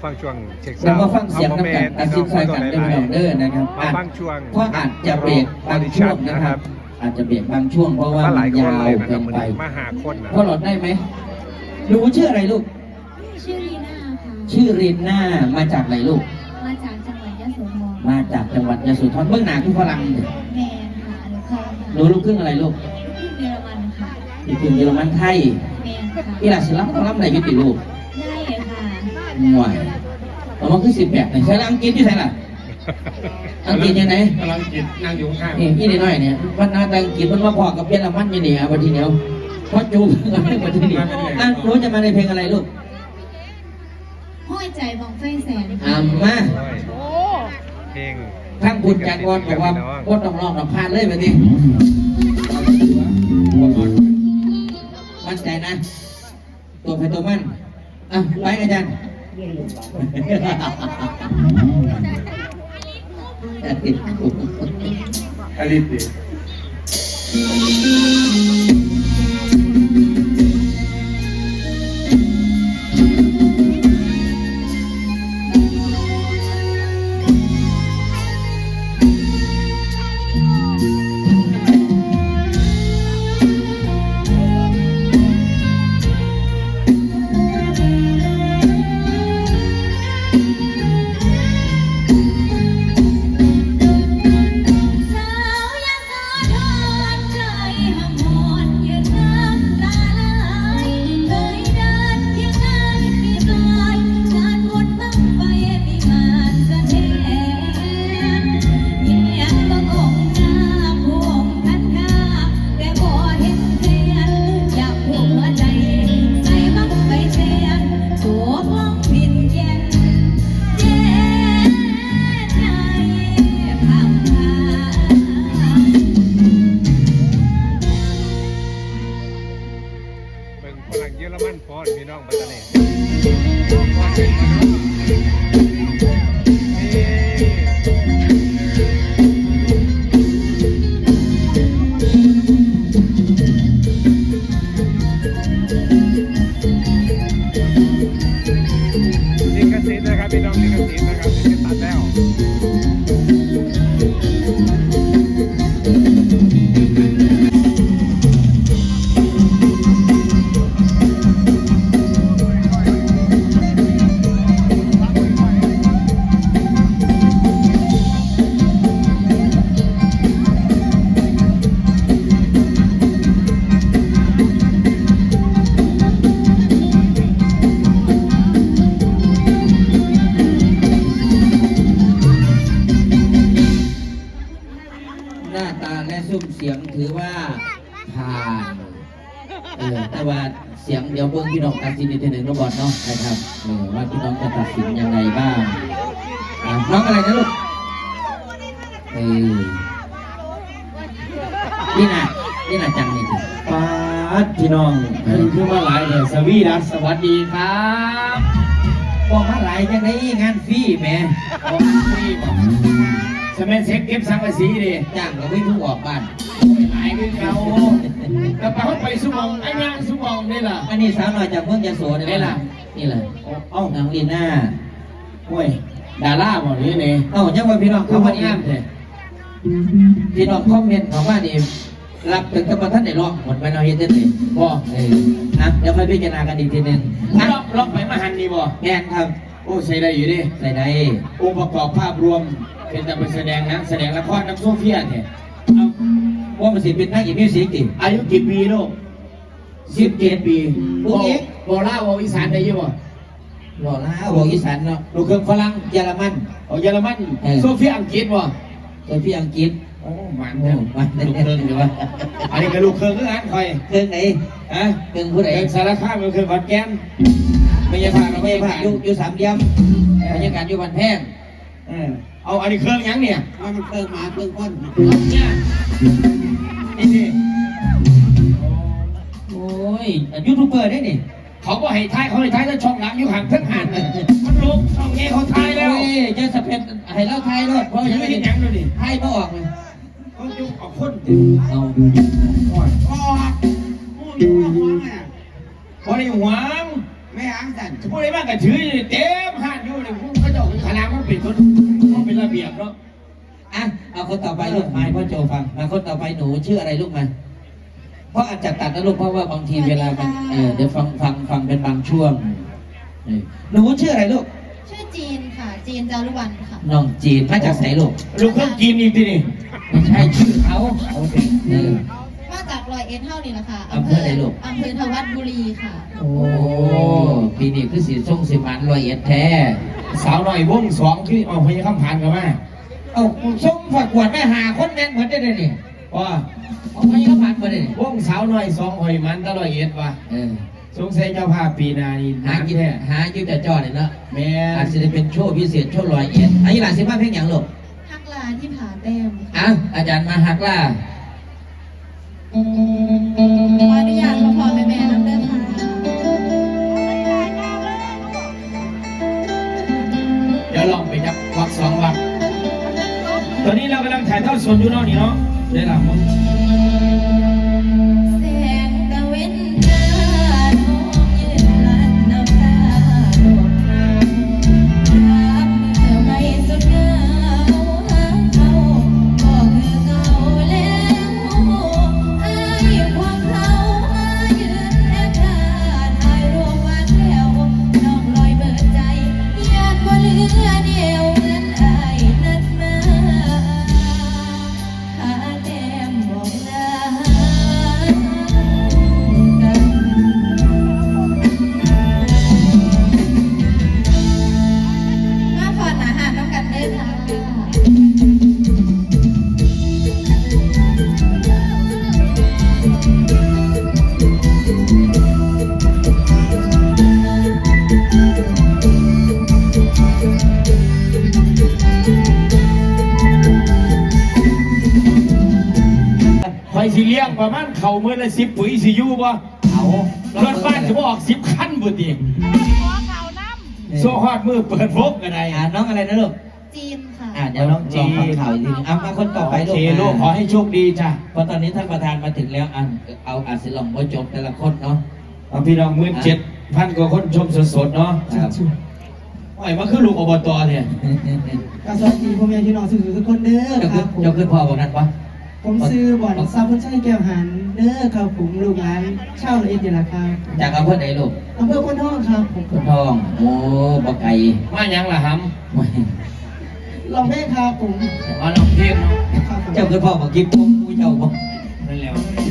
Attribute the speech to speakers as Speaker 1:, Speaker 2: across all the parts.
Speaker 1: ฟังช่วงเช็ค
Speaker 2: เรามาฟังเสียงน้ำกันตัดสินใจกันได้ไม่ต้องเด้อนะครับ
Speaker 1: มาฟังช่วง
Speaker 2: เพราะอาจจะเบรกบางช่วงนะครับ อาจจะเบรกบางช่วงเพราะว่า
Speaker 1: มาห
Speaker 2: มั
Speaker 1: ลาย
Speaker 2: น
Speaker 1: คน
Speaker 2: ยาว
Speaker 1: เลยนะค
Speaker 2: เกิ
Speaker 1: รับ
Speaker 2: น
Speaker 1: มัน
Speaker 2: ไป
Speaker 1: มาหาคนนะ
Speaker 2: พ่อหลอดได้ไหมหนูชื่ออะไรลูก
Speaker 3: ชื่อลีน่าค่ะ
Speaker 2: ชื่อรินน่ามาจากไหนลูก
Speaker 3: มาจากจังหวัดยะโสธร
Speaker 2: มาจากจังหวัดยโสธรเบื้องหน้าคือฝรั่ง
Speaker 3: แมนค่ะอนุเคราะห์
Speaker 2: หนูลูกครึ่งอะไรลูก
Speaker 3: ที่เยอรมันค่ะ
Speaker 2: ลูกครึ่งเยอรมันไทย
Speaker 3: แมนค่ะ
Speaker 2: อีหลาศิลป์เขาล้ำไหนยุติลูก
Speaker 3: ได้ค่ะ
Speaker 2: ห่วยเอามาคือ18ใช่แล้วอังกฤษที่ไหนล่ะอังกฤษยังไง
Speaker 1: กำลังกินนั่งอยู่ข้าง
Speaker 2: นี่พี่น้อยเนี่ยวันนาตังกิจมันมาพอกับเยอรมันอยู่เนี่ยวันทีเดียวพอจูบกันไม่วันทีเดียวรู้จะมาในเพลงอะไรลูก
Speaker 3: ห้อยใจบองไฟแสน
Speaker 2: มา
Speaker 1: เพลง
Speaker 2: ทั้งคุณจากวอนบอกว่าก็ต้องร้องต้องพานเลยแบบนี้มั่นใจนะ ตัวใครตัวมันไปอาจารย์ติดคุก
Speaker 1: อลิติ
Speaker 3: สาวยะโสธรเคยหำหอนยืนน้ำตาไหลเคยเดินเที่ยวงานปีกลอยงานบุญบั้งไฟมีงานแสดงเยี่ยมบังองค์หน้าพวงท่านข้าแต่บ่เห็นเทียนอยากหัวใจใส่บั้งไฟแสนตัวมองผินเย็นเย็นใจคำพา
Speaker 1: เป็นฝรั่งเยอรมันพอพี่น้องปัตตานีลิขสิทธิ์นะครับพี่น้องลิขสิทธิ์นะครับลิขสิทธิ์ตัดแล้ว
Speaker 2: หน้าตาและซุ้มเสียงถือว่าผ่านแต่ว่าเสียงเดี๋ยวเบิ้งพี่น้องตัดสินอีกทีหนึ่งน้องบอลเนาะนะครับว่าพี่น้องจะตัดสินยังไงบ้างน้องอะไรนะลูกนี่นะจังนี่ถึง
Speaker 4: ป้าดพี่น้องคือมาหลายเลยสวีดัสสวัสดีครับ
Speaker 2: บอกมาหลายจังไงงานฟรีแหม่
Speaker 4: ผมพี่บอกสมัยเซ็กเก็บสังกะสีดิ
Speaker 2: จ้างก็ไม่เพิ่งออกบ้าน
Speaker 4: หลายคือเขาแล้วไปเขาไปสุมองไอ้งานสุมองนี่ล่ะ
Speaker 2: อันนี้สาวน้อยจากเมืองยโสนี่แหละนี่แหละ
Speaker 4: เอ้า
Speaker 2: น้องลีน่า
Speaker 4: โอ้ยดาราบ่นี่นี่
Speaker 2: ยังว่าพี่น้อง
Speaker 4: คือ
Speaker 2: เขา
Speaker 4: มั
Speaker 2: มาน อี
Speaker 4: งาม
Speaker 2: ก
Speaker 4: แท้
Speaker 2: พี่น้องคอมเมนต์ของว่านี่รับถึงกับท่านได้ร้องหมดไปเนาะเฮ็ดได้เลย
Speaker 4: บ่
Speaker 2: เดี๋ยวค่อยพิจารณากันอีกทีหนึง
Speaker 4: ล็อกไปมาหันนี่บ่
Speaker 2: แม่นครับ
Speaker 4: โอ้ใส่ได้อยู่ดิ
Speaker 2: ใส่ได้
Speaker 4: องค์ประกอบภาพรวมเป็นแต่ไปแสดงหนังแสดงละครน้ำโซเฟียเนี่ย
Speaker 2: ว่ามันสิเป็นนักอีมิวสิกติ
Speaker 4: อายุกี่ปีลูก17 ปี
Speaker 2: พวกเอ็ก
Speaker 4: บ่ล่าบ่อีสานได้อยังบ่
Speaker 2: บอกลาบอกอีสานเนาะ
Speaker 4: ลูกเครื่องฝรั่ง
Speaker 2: เยอรมัน
Speaker 4: เยอรมันโซเฟียอังกฤษบ่
Speaker 2: โดยพี่อังกฤษ
Speaker 4: โอ้มัน
Speaker 2: โอ้มัน
Speaker 4: ลูกเครื่องเดี๋ยวว่าอันนี้ก็ลูกเครื่องคือกันคอย
Speaker 2: เครื่องไหน
Speaker 4: ฮะ
Speaker 2: เครื่องผู้ใด
Speaker 4: เครื่องสารคามกับเครื่องขอนแก่นไม่ใช่พาเรา
Speaker 2: ไม่
Speaker 4: ไม่
Speaker 2: ผ่า
Speaker 4: ผ่าน
Speaker 2: อยู่สามเหลี่ยมบรรยากาศอยู่บ้านแพง
Speaker 4: เอาอันนี้เครื่องยังเนี่ย
Speaker 2: มันเครื่องหมาเครื่องก้น
Speaker 4: เนี่ยนี่นี่
Speaker 2: โอ้ยยูทูบเบอร์ได้นี่
Speaker 4: เขาก็ให้ท้ายเขาให้ท้ายแล้วช่องหลังอยู่ห่างทั้งหันมันลุกช่องนี้เขาท้ายแล้ว
Speaker 2: โอ้ยเจะสะเพ็ดให้เล่าไทยรถเพราะ
Speaker 4: ยั
Speaker 2: ยัง ง
Speaker 4: ไม่
Speaker 2: ไม่
Speaker 4: เห็
Speaker 2: ได้
Speaker 4: นยังดูดิ
Speaker 2: ไทยไม่ออกเลย
Speaker 4: เขาจุกออกคน
Speaker 2: เอา
Speaker 4: พอได้หวังแม่
Speaker 2: อ้างกัน
Speaker 4: ผู้ใดบ้างก็ถือเต็มห้านอยู่นี่ผู้เขาเจ้าขนาดมันเป็นคนมันเป็นระเบียบเนาะ
Speaker 2: อ่ะเอาคนต่อไปลูกมาให้พ่อโจฟังมาคนต่อไปหนูชื่ออะไรลูกมาเพราะอาจจะตัดนะลูกเพราะว่าบางทีเวลามันเดี๋ยวฟังเป็นบางช่วงหนูชื่ออะไรลูก
Speaker 3: ชื่อจีนค่ะ จีนจารุวรรณค่ะ
Speaker 2: น้องจีนมาจากไหนลูก
Speaker 4: ลูกเครื่องกินอีกทีนี่
Speaker 2: ไม่ใช่ชื่อเขาโอเคอ
Speaker 3: มาจากร้อยเอ็ดเท่านี่แหละค่ะ
Speaker 2: อำเภอไหนลูก
Speaker 3: อำเภอทวัดบุรีค่ะ
Speaker 2: โอ้ปีนี้คือสีส้มสีมันรอยเอ็ดแท้
Speaker 4: สาวหน่อยวงสองที่เอาพยาคำผ่านกันมา
Speaker 2: เอาส้มฝักขวดไม่หาคนแม่นเหมือนได้เลยนี่
Speaker 4: ว่า
Speaker 2: เอาไปก็ผ่านมาเลยนี่
Speaker 4: วงสาวหน่อยสองหอยมันตลอดเอ็ดว่ะสงสัยเจ้าภาพปีนานี่
Speaker 2: หากินหาอยู่แต่จอดเลยเนาะ
Speaker 4: แม่
Speaker 2: อาจจะได้เป็นโชว์พิเศษโชว์รอยเอ็ดอันนี้หลานสิบ้าเพลงอย่างลูก
Speaker 3: ฮักลาที่ผาแต้มค่ะ
Speaker 2: อ่ะอาจารย์มาฮักล่า
Speaker 3: ขออนุญาตพ่อแม่น้ำเด้อค่ะ
Speaker 4: เดี๋ยวลองไปจับวักสองวักตอนนี้เรากำลังถ่ายทอดสดอยู่เนาะนี่เนาะได้หลับมั้ง
Speaker 3: แสงตะเวนตาน้องยืนลันน้ำตาโดดน้ำรับเมื่อไม่สุดเหงาหาเขาก็คือเก่าแล้วอายความเขามายืนแนบตาถ่ายรูปวาดแถวน้องลอยเบิดใจญาติบ่เหลือเดียวเหมือนอายนัดมาหาแก้มบอกลากัน มาพอหนาหาน้ำกันได้ค่ะ
Speaker 4: คอยสิเลี้ยงประมาณเข่าเมื่อละ10 ปุ๋ยสิอยู่บ่
Speaker 2: เอา
Speaker 4: รถบ้านจะบ่ออก10 คันบุตรีโซ่ฮอดมือเปิดพกกันได้
Speaker 2: น้องอะไรนะลูก
Speaker 3: จีนค่ะ
Speaker 2: เดี๋ยวน้องจีฟังข่าวอีกทีนึงเอามาคนต่อไป
Speaker 4: โอ
Speaker 2: ลูก
Speaker 4: เคลูกขอให้โชคดีจ้ะ
Speaker 2: เพราะตอนนี้ท่านประธานมาถึงแล้วเอาอาศิลองว่าจบแต่ละคนเนาะ
Speaker 4: เอาพี่น้อง17,000 กว่าคนชมสดๆเนาะ
Speaker 2: ครับ
Speaker 4: โอ้ยมันคือลูกอบตเนี่ย
Speaker 5: กสวัสดีพ่อแม่พี่น้องสื่อทุกคนเด้อ
Speaker 2: เจ้า
Speaker 5: ค
Speaker 2: ขึ้
Speaker 5: รั
Speaker 2: น
Speaker 5: บผม
Speaker 2: เจ้าขึ้นพ่อบอกนั้นปะ
Speaker 5: ผมซื้อบ่อนซาบุนชัยแก้วหันเด้อครับผมลูกหลานเช่าละเอียดนี่แหละครับ
Speaker 2: จากอำเภอไหนลูก
Speaker 5: อำเภอพนทองครับผม
Speaker 2: คนทองโอ้ปะไก่
Speaker 4: มาหยังล่ะฮัม
Speaker 5: ลองเพลงครับผม
Speaker 4: มาลองเพลงเนาะ
Speaker 5: ครับผม
Speaker 2: เจ้าขึ้นพ่อบอกกิ๊บผมกูเจ้าบอก
Speaker 4: นั่นแหล้ว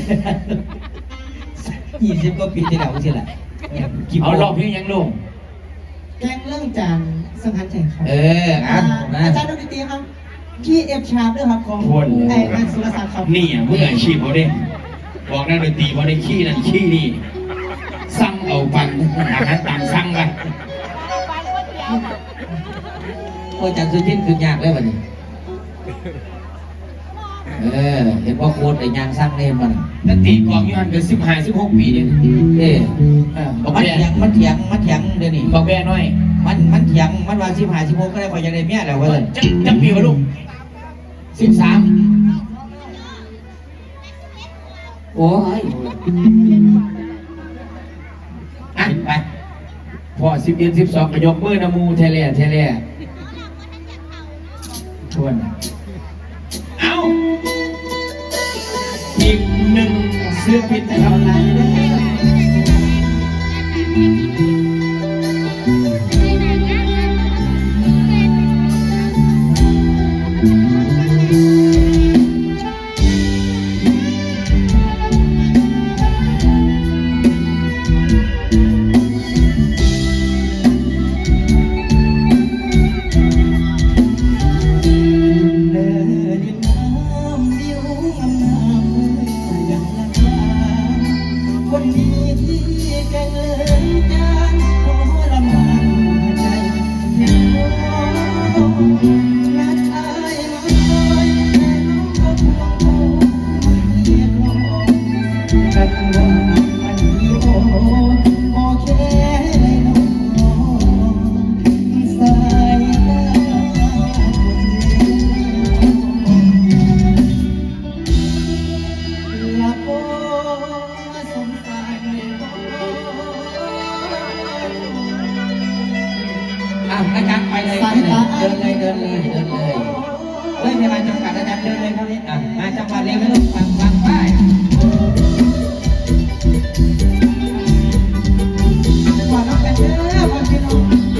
Speaker 2: 20 กว่าปีที่แล้วสิแหละ
Speaker 4: เอาลองเพลงหยังลูก
Speaker 5: แกงเรื่องจานสังหารแจกครับ
Speaker 2: อ่ะมา
Speaker 5: อาจารย์ดนตรีครับพี่เอฟชาร์ปด้วยครับของไอ้นันสุรศักดิ์ครับ
Speaker 4: นี่อ่ะมืออาชีพเขาเด้บอกนักดนตรีว่าได้ขี้นั่นขี้นี่สั่งเอาปันอาหารตามสั่งไป
Speaker 2: โอ้จันทร์สุทินคือยากเลยวันนี้เห็นว่าโค้ดไอ้ยางสร้างเล่นมัน
Speaker 4: นักตีกลองอยู่หันเกิด15-16 ปีเนี่ย
Speaker 2: มันเถียงเดี๋ยวนี้
Speaker 4: บอกแม่น้อย
Speaker 2: มันเถียงมันว่า15 16ก็ได้พอจะได้เมียแล้วว่าเลย
Speaker 4: จะปีวะลูก13
Speaker 2: โอ้ยอ่ะไป
Speaker 4: พอ11 12ก็ยกมือนะมูเทเล่ทวนเอาอีกหนึ่งเสื้อพิษนะครับ
Speaker 5: ไหนเด้อ เดินดินน้ำวิวงามๆอย่างละคราคนนี้ที่แกงเลินจาน
Speaker 2: อาจารย์ไปเลยเดินเลยไม่มีเวลาจำกัดอาจารย์เดินเลยเท่านี้มาจังหวัดเร็วลูกฟังไป
Speaker 5: ก่อนน้องกันเด้อพ่อพี่น้อง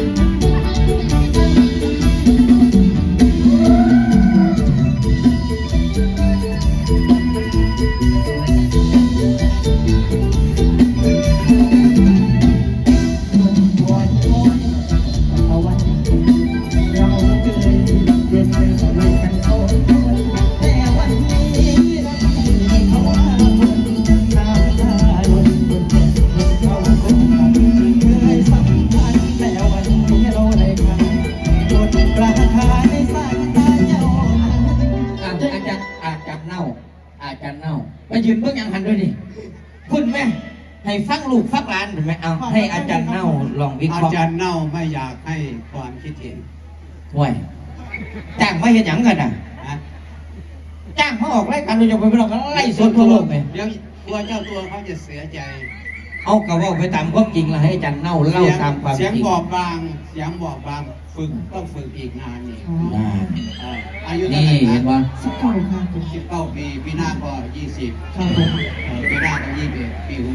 Speaker 2: ไปยืนเบื้องยังหันด้วยดิคุณแม่ให้ฟังลูกฟังหลานเห็นไหมเอาให้อาจารย์เน่าลองวิเค
Speaker 1: อา
Speaker 2: ราะห์
Speaker 1: จารย์เน่าไม่อยากให้ความคิดเห็น
Speaker 2: ห่วยจ้างมาเห็นหยังกันอ่ะ
Speaker 1: นะ
Speaker 2: จ้างมาออกรายการโดยเฉพาะพี่น้องก็ไล่สดทั่วโลกเลย
Speaker 1: เดี๋ยวตัวเจ้าตัวเขาจะเสียใจ
Speaker 2: เอากระว่าไปตามความจริงแล้วให้อาจารย์เน่าเล่าตามความจ
Speaker 1: เสียง
Speaker 2: ริง
Speaker 1: บอบบางเสียงบอบบางต้องฝึกอีกนานนี่
Speaker 2: อ่า
Speaker 1: อายุเท่า
Speaker 2: นี่
Speaker 1: ไหร่
Speaker 2: เห็นว่า
Speaker 5: สักเก้าค่ะ
Speaker 1: 19 ปีปีหน้าก็20
Speaker 5: ครับผม
Speaker 1: ปีหน้าก็21ปีหู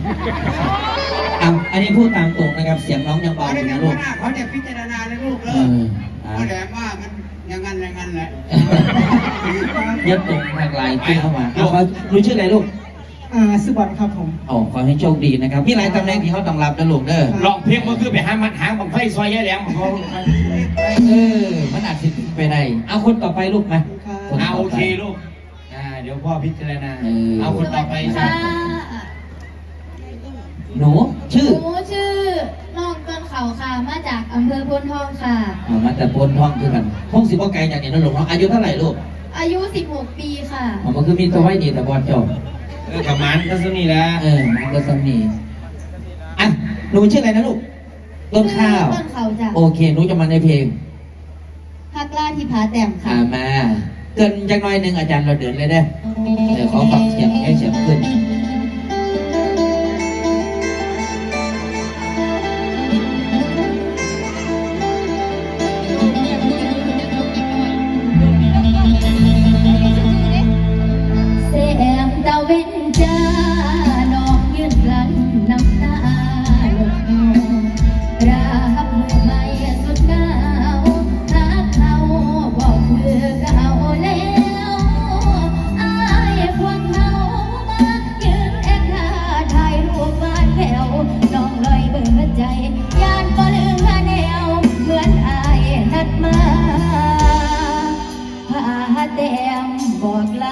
Speaker 2: อันนี้พูดตามตรงนะครับเสียงน้องยังเบา
Speaker 1: เขา
Speaker 2: อ
Speaker 1: ได้
Speaker 2: ยู่
Speaker 1: กัน
Speaker 2: นะลูก
Speaker 1: ว่าเขาจะพิจารณาในลูกเล
Speaker 2: เอย
Speaker 1: เขาแหลมว่ามันอย่างนั้นแหละ
Speaker 2: ยัดตรงทางไลน์ขึ้นเข้ามาเอาเขารู้ชื่ออะไรลูก
Speaker 5: สุบอลครับผม
Speaker 2: อ๋อขอให้โชคดีนะครับมีหลายตำแหน่งที่เขาต้องรับนะลูกเด้อ
Speaker 4: ลองเพียงก็คือไปหามันหางบังไฟซอยแย่แหลมของเขา
Speaker 2: มันอาจจะไปได้เอาคนต่อไปลูกมา
Speaker 4: เอาโอเคลูกเดี๋ยวพ่อพิจารณาเอาคนต่อไป
Speaker 3: ค่ะ
Speaker 2: หนูชื่อ
Speaker 3: หนูชื่อน้องต้นเขาค่ะมาจากอำเภอพนทองค่ะ
Speaker 2: มาแต่โพนท่องคือกันพงศิบ่ไกลจากนี่นะลูกเนาะอายุเท่าไหร่ลูก
Speaker 3: อายุ 16 ปีค่ะ
Speaker 2: มันคือมีตัวไว้ดีแต่บอลจบ
Speaker 4: ประมาณก็สนี่ละ
Speaker 2: มันก็สำนีอ่ะหนูชื่ออะไรนะลูกต้นข้าว
Speaker 3: ต้นเขาจ้ะ
Speaker 2: โอเคหนูจะมาในเพลง
Speaker 3: พักล่าที่ผาแต้มค่ะ
Speaker 2: มาเกินจักหน่อยหนึ่งอาจารย์เราเดินเลยได้ขอฟังเสียงให้เสียงขึ้น
Speaker 3: แสงตะเวนจ้าน้องยืนกลั้นน้ำตาหลดรับมือไม่สุดเงารักเขาบอกคือเขาแล้วอายพวกเขามายืนแอบถ่าถ่ายรูปบ้านแผ่วน้องลอยเบิดใจยานบ่เหลือแนวเหมือนอายนัดมาพาแต้มบอกลา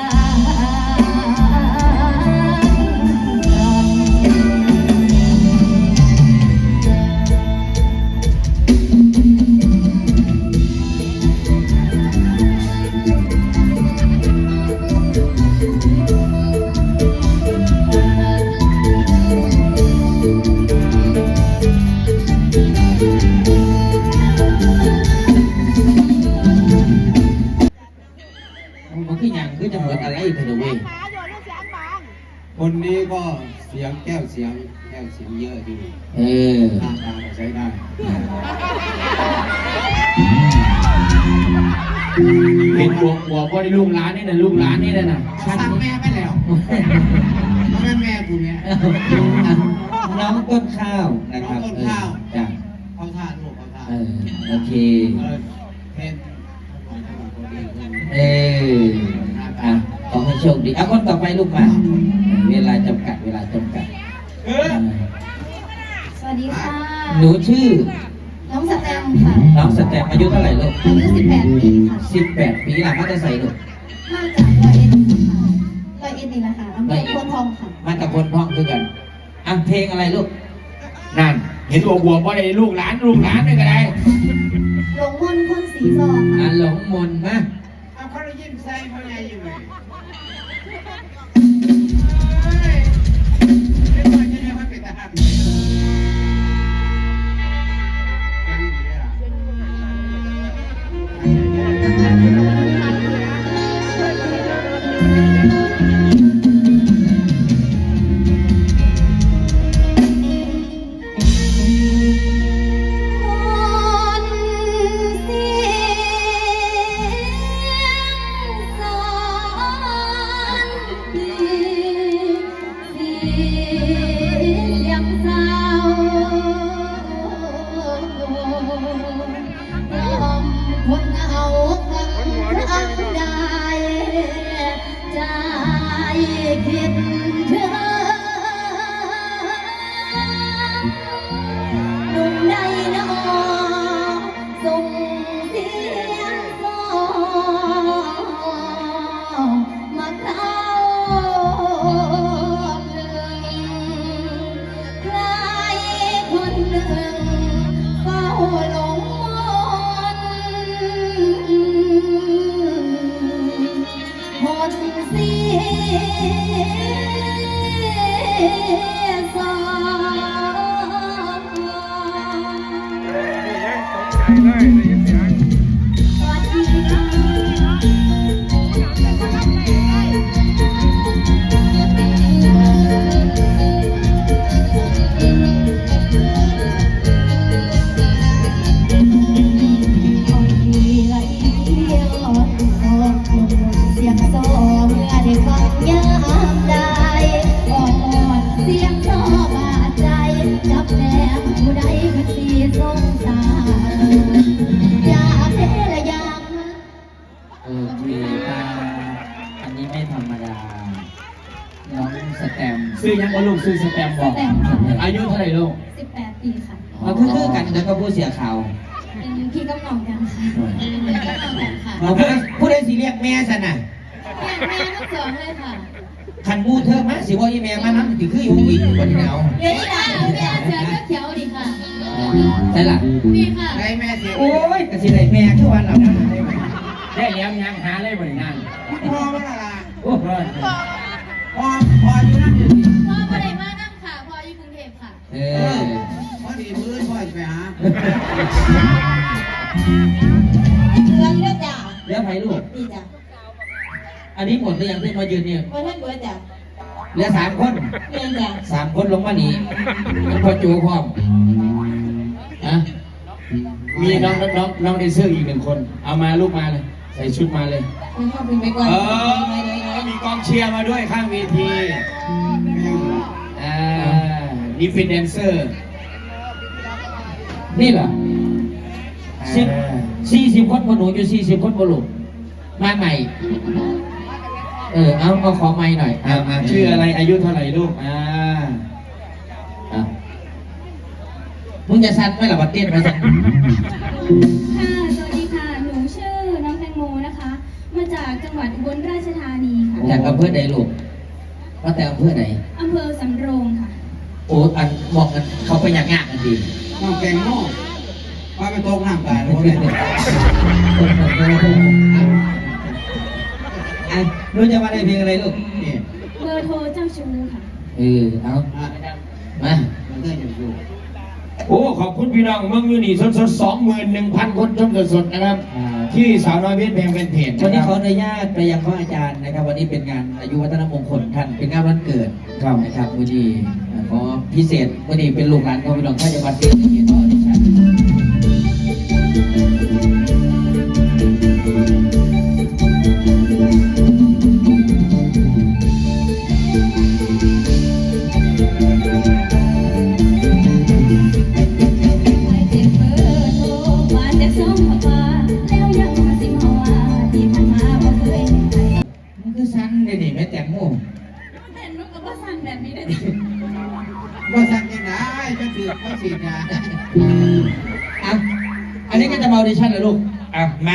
Speaker 2: มันคืออย่างคือจะเหมือนอะไรเธอเว้ย
Speaker 1: คนนี้ก็เสียงแก้วเสียงเยอะดีหน้าตาก็ใช้ได้
Speaker 4: เป็นหัวพ่อได้ลูกหลานนี่นะลูกหลานนี่นะ
Speaker 1: สั่งแม่ไปแล้วแม่กูเนี่ย
Speaker 2: น้องต้นข้าวนะครับจ้ะ
Speaker 1: เขาท่าลูกเขาท่า
Speaker 2: โอเค
Speaker 1: เพน
Speaker 2: ขอให้โชคดีคนต่อไปลูกมาเวลาจำกัด
Speaker 3: สวัสดีค่ะ
Speaker 2: หนูชื่อ
Speaker 3: น้องสแตมค่ะ
Speaker 2: น้องสแตมอายุเท่าไหร่ลูก
Speaker 3: อายุ 18 ปีค่ะ
Speaker 2: 18 ปีหลังมาจะใส่ลูก
Speaker 3: มาจากร้อยเอ็ดค่ะร้อยเอ็ดนี่แหละค่ะอำเภอโพนทองค่ะ
Speaker 2: มาตะคนท้องคือกันเพลงอะไรลูก
Speaker 4: นั่นเห็นบัวพ่อได้ลูกหลานไม่ก็ได้
Speaker 3: หลงมนต์พ่นสีซอค่ะ
Speaker 2: หลงมนมา
Speaker 1: เอาเขาได้ยิ้มใส่เขาใหญ่อยู่เลยไม่ว่าจะได้ว่าเป็นทหารยังดีเลยล่ะ
Speaker 3: มนต์สวัสดีเสียงโซ่เมื่อได้ฟังยามใดอ่อนเสียงโซ่บาดใจจับแนมผู้ใดเป็นสีสงสารอยากเทละยาม
Speaker 2: โอเคอันนี้ไม่ธรรมดา น้องสแตมป์
Speaker 4: ซื้อยังว่าลูกซื้อสแตมป์บอก
Speaker 3: สแตมป์ค่ะ
Speaker 4: อายุเท่าไหร่ลูก
Speaker 3: 18 ปีค่ะ
Speaker 2: เราคือกันแล้วก็ผู้เสียข่าว
Speaker 3: เป็นพี่กับน้องกันค่ะเป็นพี่กับน้องกันค่ะ
Speaker 2: เราผู้ใดสิเรียกแม่สนะ
Speaker 3: แม่ทั้งสองเลยค่ะ
Speaker 2: ขันมูเธอมาสิว่าอีแม่มานั้นถือคืออยู่อีกวันนี้เอา
Speaker 3: เดี๋ยวนี้นะแม่เสือก็เขียวดีค่ะ
Speaker 2: ใช่ล่ะ
Speaker 3: นี่ค่ะ
Speaker 1: ได้แม่เสีย
Speaker 2: โอ้ยกสิได้แม่ทุกวันเราได้
Speaker 4: ได้แล้วยังหาเลยบริงาน
Speaker 1: พ่อมาละ
Speaker 2: โอ้ย
Speaker 1: พ่ออยู่นั่นอยู่นี่
Speaker 3: พ่อประเดี๋ยวมานั่งค่ะ พ่ออยู่กรุงเทพค่ะ
Speaker 2: เอ
Speaker 1: เอ
Speaker 2: อ
Speaker 1: อพอดีมื้อพ่อไปหา
Speaker 3: เรื่องเลือดจ้า
Speaker 2: เลี้ยงไผ่ลูก
Speaker 3: ดีจ้ะ
Speaker 2: อันนี้หมดหรือยังที่มายืนเนี่ย
Speaker 3: วันท่านเบิร์ดจ้ะ
Speaker 2: เหลือ3 คน
Speaker 3: เรียนจ้ะ
Speaker 2: 3 คนลงมาหนียังพอจูพร้อมนะ
Speaker 4: มีน้องแดนเซอร์อีก1 คน เอามาลูกมาเลย ใส่ชุดมาเลย
Speaker 3: คุณพ่อเป็นไปก่อน
Speaker 4: มีกองเชียร์มาด้วยข้างเวทีนี่เป็นแดนเซอร์
Speaker 2: นี่เหรอ40 คนบนหนูอยู่40 คนบนลูกมาใหม่ เอาขอไม้หน่อย
Speaker 4: ชื่ออะไรอายุเท่าไหร่ลูก
Speaker 2: มึงจะสั่นไหมล่ะบัดเต้นมาสั่น
Speaker 3: ค่ะ สวัสดีค่ะ หนูชื่อน้องแตงโมนะคะ มาจากจังหวัดอุบลราชธานีค่ะ
Speaker 2: จากอำเภอใดลูกว่าแต่อำเภอไหน
Speaker 3: อำเภอสำโรงค่ะ
Speaker 2: โอ้อันบอกกันเขาไปอย่างงานกันดี
Speaker 1: น้องแกงโม่พาไปตกน้ำตายแล้วเนี่ย
Speaker 2: รู้จะมาได้เพลงอะไรลูก
Speaker 1: นี่
Speaker 3: เบอร์โทรเจ้าชู้ค่ะ
Speaker 2: เอา
Speaker 1: อ่ะ
Speaker 2: มา
Speaker 1: มันก็ยังอยู่
Speaker 4: โอ้ขอบคุณพี่น้องเมืองยูนี่สด21,000 คนชมสดๆนะครับ ที่สาวน้อยเพชรแพงเป็นเพจ
Speaker 2: วันนี้
Speaker 4: นะ
Speaker 2: ข
Speaker 4: ค
Speaker 2: อ
Speaker 4: รับ
Speaker 2: อนุญาตไปยังพระอาจารย์นะครับ วันนี้เป็นงานอายุวัฒนมงคลท่านเป็นงานวันเกิดนะครับวันนี้ขอพิเศษวันนี้เป็นลูกหลานของพี่น้องท่านจังหวัดเชียงใหม่ต่อดิฉัน
Speaker 3: ให้เจ็บเบอร์โทรมาจากสองพาแล้วยังมาสิมาว่าที่ผ่านมาบ่เคยเห็นใคร
Speaker 2: มันคือสั้นเลยนี่แม่แตงโม
Speaker 3: เห็นมันก็บ่สั่นแบบนี้เลย
Speaker 1: ว่าสั่งยังไงก็คือว่าสีดา
Speaker 2: อ่ะอันนี้ก็จะมาออดิชั่นเลยลูก
Speaker 4: มา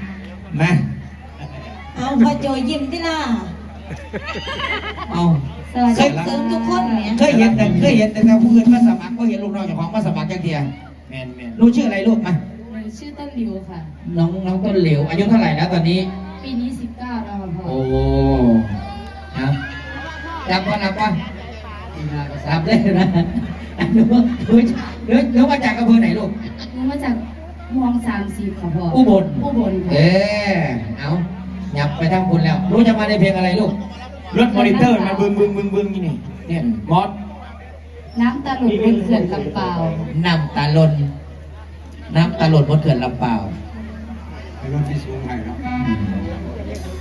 Speaker 6: เอาพอโจยิ้มที่ล่ะ
Speaker 2: เอา
Speaker 3: สวัส
Speaker 6: เส
Speaker 3: ดี
Speaker 6: ริมทุกคนเนี่ย
Speaker 2: เคยเห็นแต่ผู้อื่นมาสมัครก็เห็นลูกน้องเจ้าของมาสมัครจังเทีย
Speaker 4: แมน
Speaker 2: รู้ชื่ออะไรลูกมา
Speaker 3: ชื่อต้นหลิวค่ะ
Speaker 2: น้องต้นเหลวอายุเท่าไหร่แล้วตอนนี้
Speaker 3: ปีนี้ 19 แล้วค่ะพ่อ
Speaker 2: โอ้เอารับว่ารับเลยนะหนูมาจากอำเภอไหนลูก
Speaker 3: หนูมาจากมอง30ค่ะพ่อ
Speaker 2: อุบล
Speaker 3: อุบลค่ะ
Speaker 2: เอาหยับไปทางคุณแล้ว รู้จะมาในเพลงอะไรลูก
Speaker 4: รถมอนิเตอร์มันบึงนี่เนี่ยมอส
Speaker 3: น้ำตาหลุดบนเขื่อนลำเปาว
Speaker 2: น้ำตาลนบนเขื่อนลำเปล่า
Speaker 1: ไอ้รถที่สูงไปเนาะ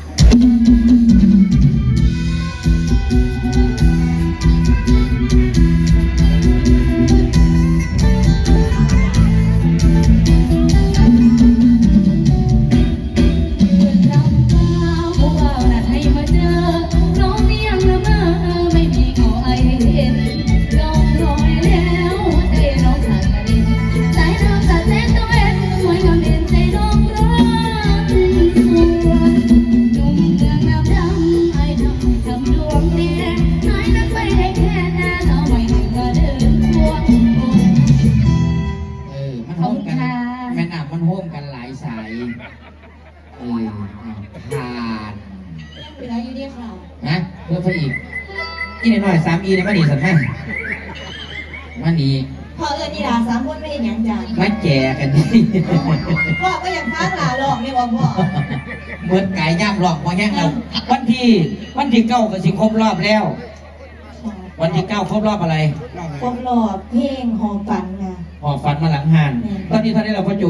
Speaker 3: เขื่อนลำเปาวผู้บ่าวนัดให้มาเจอ น้องเนียงละเมอไม่มีเงาไอเห็นร้องรอยแล้วใจน้องขาดกระเด็นสายน้ำสาดแสงตะเวนสวยงามเด่นใจน้องรักสวยหนุ่มเมืองน้ำดำไอ้ทำดวงแดงน้อยนักไปให้แค่หน้าสาวใหม่ก็เดินควง
Speaker 2: มันโฮมกัน
Speaker 3: ขอบคุณค่ะ
Speaker 2: แม่น้ำมันโฮมกันหลายสายผ่าน
Speaker 6: เป็นไรอยู่ดีค่ะ
Speaker 2: นะเพื่อพระอีกอีกหน่อย3 อีเนี่ยมาหนีสันแม่มาหนี
Speaker 6: พอนี่ล่ะสามคนไม่เห็นหยังจ้ะ
Speaker 2: มาแก่กันนี่
Speaker 6: พ่อก็ยังฟังหลาหลอกไม่บอกพ่อ
Speaker 2: เหมือนไก่ย่างหลอกมาแห้งเราวันที่เก้าก็สิครบรอบแล้ว วันที่เก้าครบรอบอะไร
Speaker 6: ครบรอบเพลงหอมฝันค่ะ
Speaker 2: หอบฝันมาหลังหานตอนนี้เท่าไหร่เราพ่อโจ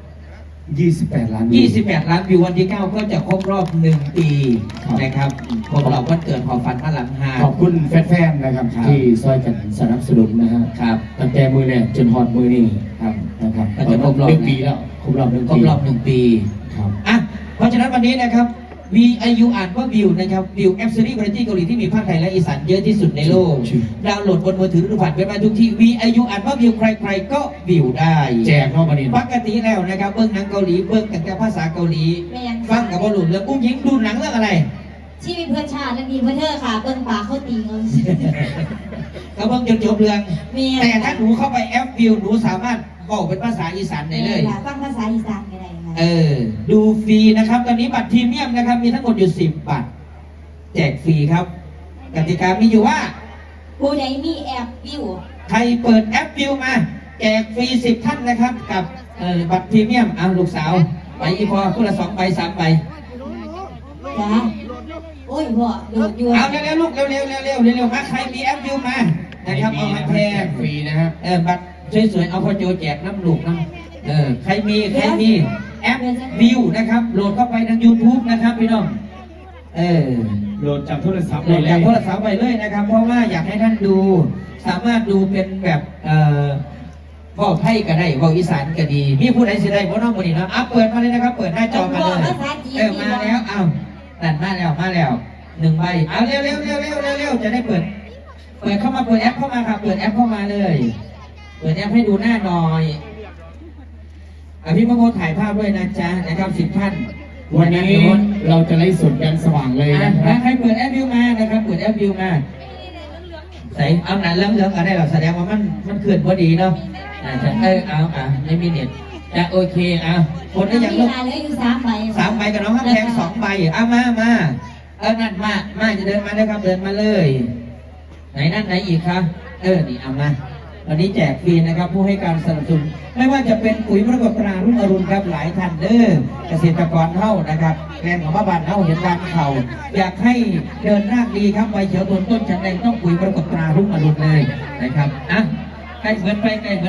Speaker 1: 28 ล้าน
Speaker 2: 28 ล้านวิววันที่ 9 ก็จะครบรอบ 1 ปีนะครับครบรอบวันเกิดหอบฝันมาหลังหาน
Speaker 1: ขอบคุณแฟนๆนะครับ
Speaker 2: ครับ
Speaker 1: ที่ซอยกันสนับสนุนนะฮะ
Speaker 2: ครับ
Speaker 1: ตั้งแต่มือแรกจนฮอดมือนี่
Speaker 2: ครับ
Speaker 1: นะครับ
Speaker 2: ก็จะครบรอบ
Speaker 1: 1 ปีแล้วครบรอบ1
Speaker 2: คร
Speaker 1: ปี
Speaker 2: บรอบ 1 ปี
Speaker 1: ครับ
Speaker 2: อ่ะเพราะฉะนั้นวันนี้นะครับ VIU อ่านว่าวิวนะครับวิวแอปซีรีส์วาไรตี้เกาหลีที่มีภาคไทยและอีสานเยอะที่สุดในโลก ดาวน์โหลดบนมือถือหรือผ่านเว็บไซต์ทุกที่ VIU อ่านว่าวิวใครๆก็วิวได้
Speaker 1: แจกนอกประเด็น
Speaker 2: ปกติแล้วนะครับเบิ้งหนังเกาหลีเบิ้งแต่ภาษาเกาหลี
Speaker 6: แม่ยัง
Speaker 2: ฟังกับบอลลูนเรื่องอุ้งยิงดูหนังเรื่องอะไร
Speaker 6: ชีวิตเพื่อนชาติและมีเพื่อนเธอค่ะเบิ้งปากเขาตีเงิน
Speaker 2: ก็เบิ้งจนจบเรื่อง
Speaker 6: แม่
Speaker 2: แต่ถ้าหนูเข้าไปแอปวิวหนูสามารถบอกเป็นภาษาอีสานได้เลย
Speaker 6: ฟังภาษาอีสานก็ได้ค่ะ
Speaker 2: ดูฟรีนะครับ ตอนนี้บัตรพรีเมียมนะครับ มีทั้งหมดอยู่ 10 บัตร แจกฟรีครับ กติกามีอยู่ว่า
Speaker 6: ผู้ใดมีแอปวิว
Speaker 2: ใครเปิดแอปวิวมา แจกฟรี 10 ท่านนะครับ กับบัตรพรีเมียมเอาลูกสาว ไปอีพอคนละ2 ใบ 3 ใบ
Speaker 6: จ้าโอ้ยพ่อโดดอยู่
Speaker 2: เอาเร็วๆลูกเร็วๆมาใครมีแอปวิวมานะครับเอามาแทน
Speaker 1: ฟรีนะฮะ
Speaker 2: บัตรสวยๆเอาพอโจแจกน้ำลูกน้ำใครมีแอปวิวนะครับ โหลดเข้าไปทาง YouTube นะครับพี่น้อง
Speaker 1: โหลดจากโทรศัพท์
Speaker 2: โหลดจากโทรศัพท์ไปเลยนะครับ เพราะว่าอยากให้ท่านดู สามารถดูเป็นแบบเว้าไทยก็ได้เว้าอีสานก็ดี มีผู้ใดสิได้บ่น้องบ่นี่เนาะเปิดมาเลยนะครับ เปิดหน้าจอมาเลยมาแล้วนั่นมาแล้ว1 ใบเอาเร็วจะได้เปิดเข้ามาเปิดแอปเข้ามาครับเปิดแอปเข้ามาเลยเปิดแอปให้ดูหน้าหน่อยพี่มะโมถ่ายภาพด้วยนะจ๊ะนะครับ10 ท่าน
Speaker 1: วันนี้เราจะไล่สดกันสว่างเลยนะครับ
Speaker 2: ใครเปิดแอปวิวมานะครับเปิดแอปวิวมาใส่เอาหนังเหลืองๆก็ได้หรอกแสดงว่ามันเกิดพอดีเนาะไม่มีเน็ตจะโอเคคนได้ยัง
Speaker 6: มี
Speaker 2: ลูก
Speaker 6: หลายเหลืออยู่3 ใบ
Speaker 2: 3 ใบกับน้องข้ามแพง2 ใบมานั่นมาจะเดินมาเลยครับเดินมาเลย ไหนอีกครับนี่เอามาวันนี้แจกฟรีนะครับผู้ให้การสนับสนุนไม่ว่าจะเป็นปุ๋ยมรกตตรารุ่งอรุณครับหลายท่านเกษตรกรเท่านะครับแกนของบ้านเท่าเห็นการเข่าอยากให้เดินรากดีครับใบเขียวต้นฉันแดงต้องปุ๋ยมรกตตรารุ่งอรุณเลยนะครับใกล้เหมือนไป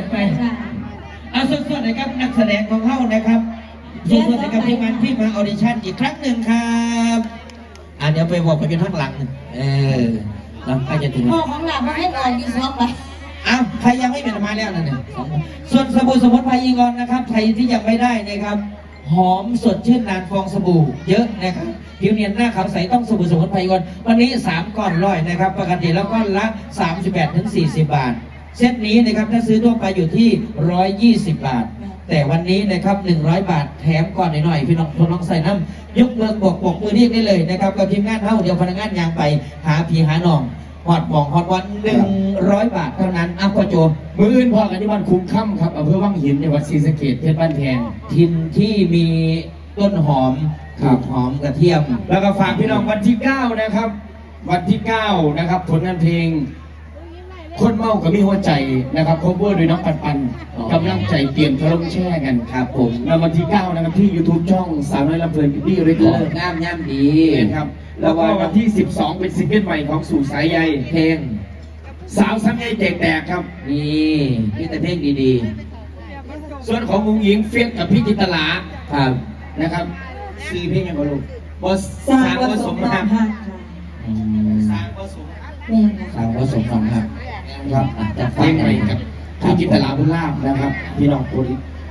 Speaker 2: สดๆนะครับนักแสดงของเท่านะครับสดๆนะครับทีมงานที่มาออดิชั่นอีกครั้งหนึ่งครับเดี๋ยวไปบอกไปอยู่ข้างหลังเราใกล้จะถึง
Speaker 6: พ่อของหลานมาให้ก่อนอยู่2 ใบ
Speaker 2: ใครยังไม่เป็นมาแล้วนั่นเนี่ยส่วนสบู่สมุนไพรอีกอนนะครับใครที่ยังไม่ได้นะครับ หอมสดชื่นนานฟองสบู่เยอะนะครับผิวเนียนหน้าขาวใสต้องสบู่สมุนไพรอีกอนวันนี้3 ก้อน100นะครับปกติแล้วก้อนละ 38-40 บาทเซตนี้นะครับถ้าซื้อทั่วไปอยู่ที่120 บาท แต่วันนี้นะครับ100 บาทแถมก่อนหน่อยพี่น้องทดลองใส่น้ำยกเลิกบอกมือเรียกได้เลยนะครับกับทีมงานเท่าเดียวพนักงานยางไปหาพี่หาน้องหอดหมองหอดวัน100 บาทเท่านั้นพ่อโจ
Speaker 1: มืออื่นพอกันที่บ้านคุ้มค่ำครับอำเภอวังหินจังหวัดศรีสะเกษเพชรบ้านแพง
Speaker 2: ทินที่มีต้นหอม
Speaker 1: ครับ
Speaker 2: หอมกระเทียม
Speaker 1: แล้วก็ฝากพี่น้องวันที่ 9 นะครับ วันที่ 9 นะครับผลงานเพลง คนเมากับมีหัวใจนะครับคอเวอร์โดยน้องปันกำลังใจเตรียมทะลงแช่กัน
Speaker 2: ครับผม
Speaker 1: แล้ววันที่ 9 นะครับที่ YouTube ช่องสาวน้อยลำเพลินพี่เรคคอ
Speaker 2: เลิ
Speaker 1: ร์
Speaker 2: ก
Speaker 1: ด
Speaker 2: งามย่ำดี
Speaker 1: ครับแล้วก็วันที่ 12 เป็นซิงเกิลใหม่ของสู่สายใย
Speaker 2: เพลง
Speaker 1: สาวซ้ำใยแจกแตกครับ
Speaker 2: นี่มีแต่เพลงดี
Speaker 1: ส่วนของมุงหญิงเฟียสกับพี่จินตลา
Speaker 2: ๆครับ
Speaker 1: นะครับ4 เพลงยังบ่ลูกบอส
Speaker 6: สร้า
Speaker 1: สาง ง
Speaker 6: ผ
Speaker 1: ผ
Speaker 6: ส
Speaker 1: ส
Speaker 6: ม
Speaker 1: ม
Speaker 6: ค
Speaker 1: ค
Speaker 6: รั
Speaker 1: รั
Speaker 6: บบ ค่ะ
Speaker 1: สางผสม
Speaker 6: แม่ค่ะ
Speaker 2: สาวผสมฟังครับ
Speaker 1: ครับ
Speaker 2: จะ
Speaker 1: เพ
Speaker 2: ฟั
Speaker 1: ล
Speaker 2: ง
Speaker 1: งใหม่กับพี่จินตลาบุญลาภนะครับพี่น้องคน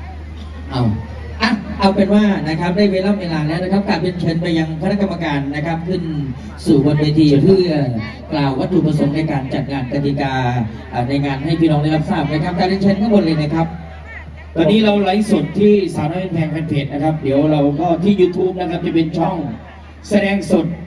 Speaker 2: เอาเป็นว่านะครับได้เวลาแล้วนะครับการเป็นเชิญไปยังคณะกรรมการนะครับขึ้นสู่บนเวทีเพื่อกล่าววัตถุประสงค์ในการจัดงานกติกาในงานให้พี่น้องได้รับทราบนะครับการเรียนเชิญข้างบนเลยนะครับ
Speaker 1: ตอนนี้เราไลฟ์สดที่สาวน้อยแพงแฟนเพจนะครับ เดี๋ยวเราก็ที่ YouTube นะครับจะเป็นช่องแสดงสด